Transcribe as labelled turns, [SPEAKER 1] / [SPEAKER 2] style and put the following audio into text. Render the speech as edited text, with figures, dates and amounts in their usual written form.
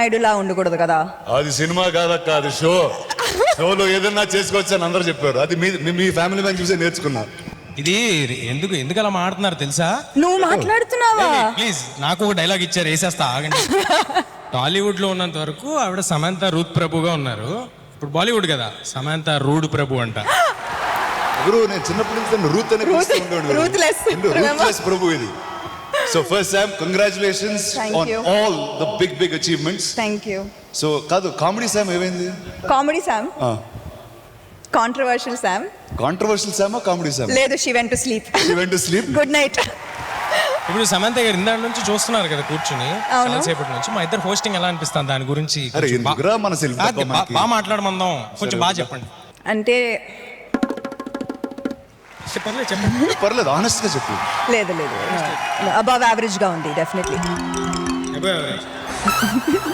[SPEAKER 1] నాయుడులా ఉండకూడదు కదా.
[SPEAKER 2] అది సినిమా కాదక్క, అది షో. షోలో ఏదన్నా చేసుకోవచ్చు అని అందరూ చెప్పారు. అది మీ ఫ్యామిలీ మ్యాన్ చూసే నేర్చుకున్నా.
[SPEAKER 3] ఇది ఎందుకు అలా మాట్లాడుతున్నారు తెలుసా?
[SPEAKER 1] నువ్వు మాట్లాడుతున్నావా?
[SPEAKER 3] ప్లీజ్ నాకు ఒక డైలాగ్ ఇచ్చారు, వేసేస్తా ఆగండి. టాలీవుడ్ లో ఉన్నంత వరకు ఆవిడ సమంత రూత్ ప్రభుగా ఉన్నారు. ఇప్పుడు బాలీవుడ్ కదా, సమంత రూడ్ ప్రభు అంట.
[SPEAKER 2] గురు నేను చిన్నప్పటి నుంచి రూత్ అనే పిలుస్తూ ఉండేవాడిని. రూత్లెస్ ప్రభు ఇది. So first Sam, congratulations on all the big achievements.
[SPEAKER 1] Thank you.
[SPEAKER 2] So కాదు, కామెడీ Sam ఏమైంది?
[SPEAKER 1] Comedy Sam, controversial Sam.
[SPEAKER 2] Controversial Sam comedy Sam?
[SPEAKER 1] లేదు, she went to sleep. Good night.
[SPEAKER 3] ఇప్పుడు సమంత గారు ఇందాక నుంచి చూస్తున్నారు కదా కూర్చుని, చాలాసేపటి నుంచి. మా ఇద్దరు హోస్టింగ్ ఎలా అనిపిస్తుంది దాని గురించి బాగా మాట్లాడమందాం, కొంచెం బాగా చెప్పండి.
[SPEAKER 1] అంటే
[SPEAKER 3] చెప్పండి.
[SPEAKER 2] పర్లేదు, ఆనెస్ట్ గా చెప్పు.
[SPEAKER 1] లేదు అబవ్ యావరేజ్ గా ఉంది డెఫినెట్లీ.